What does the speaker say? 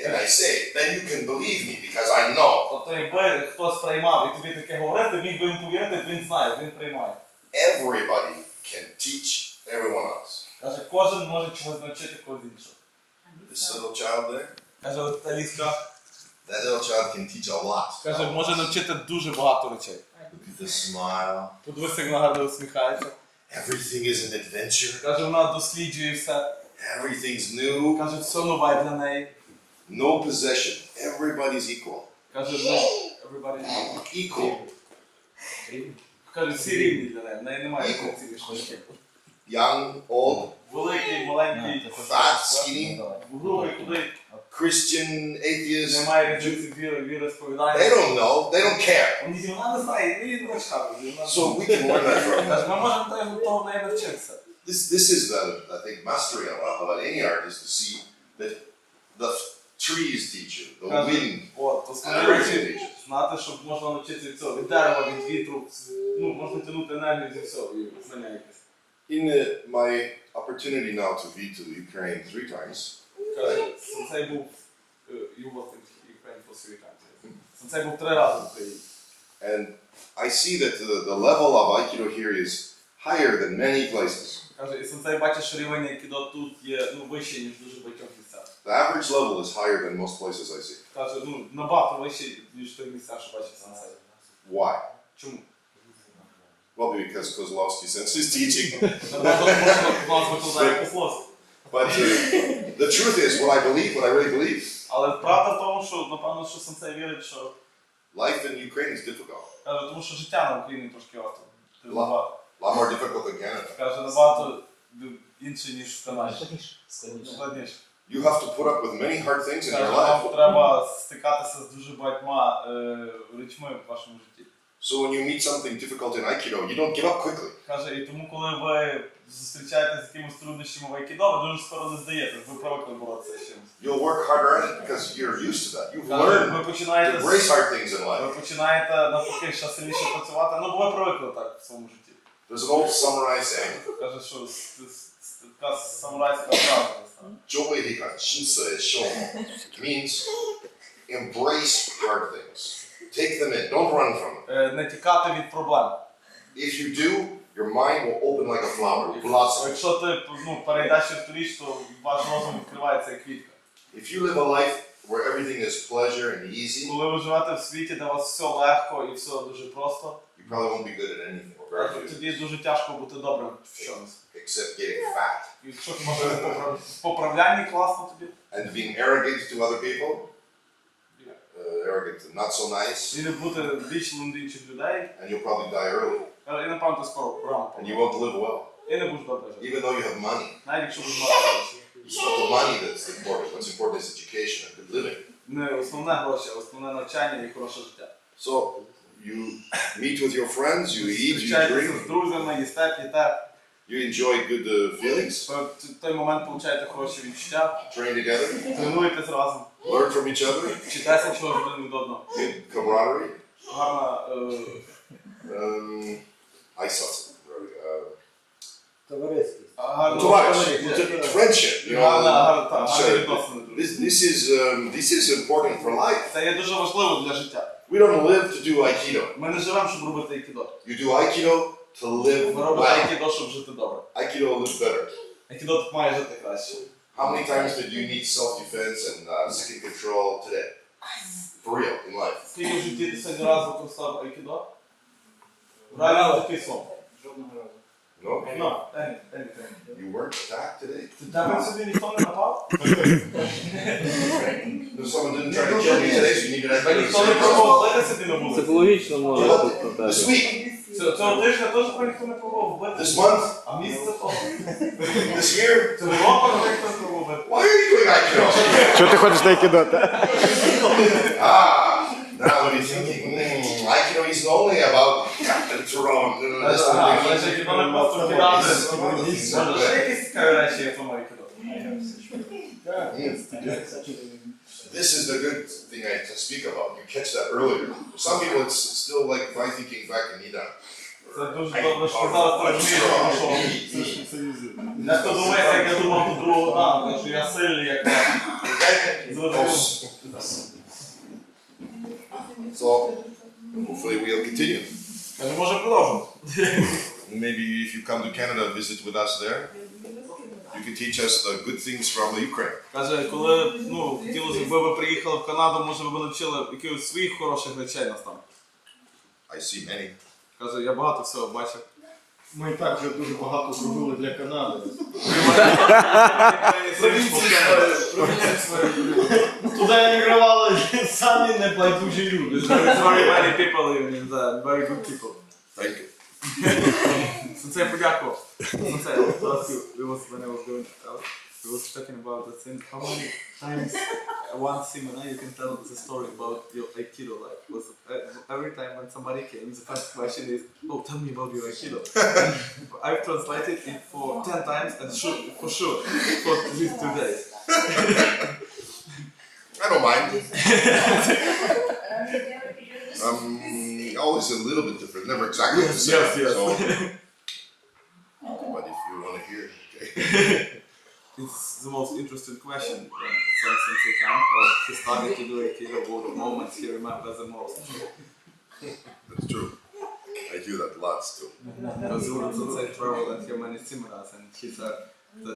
and I say it, then you can believe me because I know. Тобто, якби хтось приймав і тобі таке говорити, міг би їм повірити, він знає, він приймає. Everybody can teach everyone else. Каже, кожен може чогось навчити когось іншого. This little child there, Каже, от та ліска, that little child can teach a lot. каже, може навчити дуже багато речей. Look at the smile. Подивись, як вона гарно усміхається. Everything is an adventure. Каже, вона досліджує все. Everything's new. Каже, все нове для неї. No possession. Everybody's equal. Каже, everybody Equal. Каже, всі рівні для неї. В неї немає цілішності. Young, old, Великий, маленький, fat, skinny, грубий, худий. Christian, atheist. Немає різниці віри, сповідання. They don't know. They don't care. Вона не знає, він не чхав. So we can learn that from her. Каже, ми можемо того в неї навчитися. This is I think, mastery of any art is to see that the trees teach you, the wind, От, основні everything речі, teaches. знати, що можна навчитися від цього, від дерева, від вітру, можна тягнути енергію зі всього і знання якесь. In my opportunity now to be to Ukraine 3 times, Каже, сенсей був, you was in Ukraine for 3 times. Сенсей був 3 рази в Україні. and I see that the level of Aikido here is higher than many places. Каже, і сенсей бачить, що рівень айкідо тут є вищий, ніж дуже багатьох місцях. The average level is higher than most places I see. Каже, набагато вищий, ніж той місця, що бачить сенсей. Why? Чому? Well, because Kozlovsky Sensei is teaching. But the truth is, what I really believe, Але правда в тому, що, напевно, що сенсей вірить, що... life in Ukraine is difficult. Каже, тому що життя на Україні трошки важко. A lot more difficult than Canada. Каже, набагато інше, ніж в Канаді. Складніше. You have to put up with many hard things in Каже, your вам life. треба стикатися з дуже багатьма речми в вашому житті. So when you meet something difficult in Aikido, you don't give up quickly. Каже, і тому, коли ви зустрічаєтеся з якимось труднощами в айкідо, ви дуже скоро не здаєтесь, ви привикли боротися з чимось. You'll work harder at it because you're used to that. You've Каже, learned ви to починаєте embrace hard things in life. ви починаєте навпаки ще сильніше працювати, ну бо ви привикли так в своєму житті. There's an old samurai saying, Каже, що така самурайська фраза. "Jōei hika shinsei shomo," means embrace hard things. Take them in. Don't run from them. Не тікати від проблем. If you do, your mind will open like a flower, blossom. Якщо ти перейдеш цю річ, то ваш розум відкривається як квітка. If you live a life where everything is pleasure and easy, Коли ви живете в світі, де у вас все легко і все дуже просто, you probably won't be good at anything or very good, тоді дуже тяжко бути добрим в чомусь. except getting fat І якщо ти можеш в поправлянні класно тобі, and being arrogant to other people, arrogant and not so nice, і не бути вічним до інших людей, and you'll probably die early, і напевно ти скоро рано and you помреш. won't live well, І не будеш добре жити. even though you have money. Навіть якщо будеш мати гроші. It's not the money that's important. What's important is education and good living. Не основне гроші, а основне навчання і хороше життя. So you meet with your friends, you eat, you Зустрічаєтеся з drink, друзями, їсте, п'єте. you enjoy good feelings, В той момент получаєте хороші відчуття, train together, тренуєтесь разом, learn from each other, вчитеся чогось один від одного. good camaraderie. Гарна I saw something. Товариський. Friendship. You know, гарні відносини. this is important for life. Це є дуже важливо для життя. We don't live to do Aikido. Ми не живемо, щоб робити айкідо. You do Aikido to live Ми робимо well. айкідо, щоб жити добре. Aikido lives better. Айкідо тут має жити краще. How many times did you need self-defense and second control today? For real, in life. Скільки в житті ти сьогодні раз використав айкідо? Реально такий сон. Жодного разу. No? No, anything. You weren't attacked today? Тебе сьогодні ніхто не напав? No, someone didn't try to kill me today, so you needed Та ніхто не пробував вбити собі на вулиці? Психологічно може бути This так. week, Цього тижня теж ніхто не пробував вбити. this month, А місяця того. this year. Цього року ніхто не пробував вбити. Why are you doing Aikido? Чого ти ходиш на айкідо? Now what are you thinking? Aikido isn't only about Captain Tyrone. Значить, айкідо не просто кидати. Може, ще якісь цікаві речі є в тому айкідо? This is the good thing I have to speak about. You catch that earlier. For some people, it's still like if I thinking back in Nida. Це дуже добре, що зараз ти розумієш, що дехто думає, як я думав до другого дня, що я сильний, як зрозумів. So, hopefully we'll continue. Каже, може продовжимо. Maybe if you come to Canada, visit with us there, you can teach us the good things from the Ukraine. Каже, коли, хотілося б ви приїхали в Канаду, може ви б навчили якихось своїх хороших речей нас там. I see many. Каже, я багато всього бачив. Ми і так вже дуже багато зробили для Канади. Туди емігрували самі небайдужі люди. Very many people living in there, very good people. Thank you. Сенсей подякував. Сенсей, I was to ask you, when I was going out, we was talking about the thing, how many times one seminar you can tell the story about your Aikido life? Was every time when somebody came, the first question is, oh, tell me about your Aikido. I've translated it for 10 times and for sure, for these 2 days. I don't mind. Always a little bit different, never exactly the same. Yes. So, but if you want to hear, okay. It's the most interesting question when Sensei came, or he started to do Aikido, what moments he remembers the most. That's true. I hear that lots too. Because Sensei traveled and he many seminars, and he said